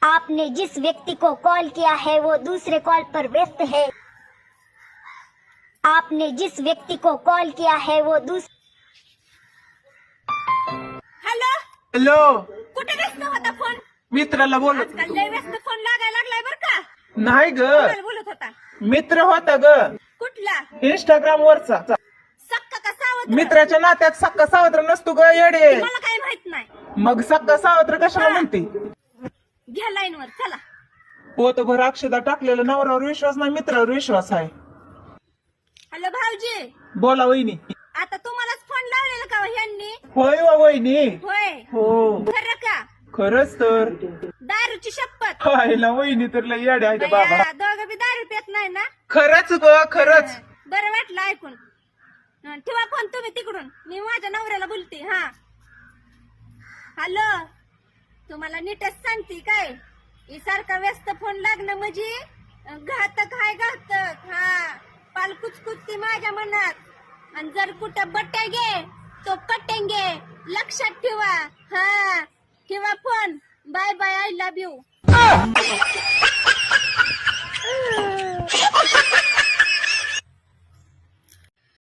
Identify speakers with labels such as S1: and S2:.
S1: आपने जिस व्यक्ति को कॉल किया है वो दूसरे कॉल पर व्यस्त है। आपने जिस व्यक्ति को कॉल किया है वो
S2: हॅलो
S3: हॅलो,
S2: कुठे व्यस्त होता फोन?
S3: मित्राला बोलत
S2: आजकाल लय व्यस्त फोन लागायला लागलाय बर का?
S3: नाही ग,
S2: कोणाला बोलत होता?
S3: मित्र होता ग,
S2: कुठला?
S3: इंस्टाग्राम वरचा.
S2: सक्का का सावत्र?
S3: मित्राच्या नात्यात सक्का सावत्र नसतो ग येडे.
S2: मला काही माहित नाही.
S3: मग सक्का सावत्र कशाला म्हणते?
S2: घ्या लाईन वर चला.
S3: पोतभर अक्षदा टाकलेला नवऱ्यावर विश्वास नाही, मित्रावर विश्वास आहे.
S2: हॅलो भाऊजी,
S3: बोला वहिनी.
S2: आता तुम्हालाच फोन लावलेला का ह्यांनी?
S3: होय वा वहिनी.
S2: होय.
S3: हो,
S2: खरं का?
S3: खरंच तर.
S2: दारूची शपथ.
S3: पाहिला वहिनी तर लय येडे आहे बाबा.
S2: बया, दोघं बी दारू पित नाही ना?
S3: खरंच ग, खरंच.
S2: बरं वाटलं ऐकून. ठेवा फोन तुम्ही तिकडून, मी माझ्या नवऱ्याला बोलते. हा हॅलो, तुम्हाला नीटच सांगते काय, ही सारखा व्यस्त फोन लागणं म्हणजे घातक हाय, घातक. हा, पाल कुचकुचती माझ्या मनात. आणि जर कुठं बटेंगे तो कटेंगे, लक्षात ठेवा. हा, ठेवा phone. Bye bye, I love you.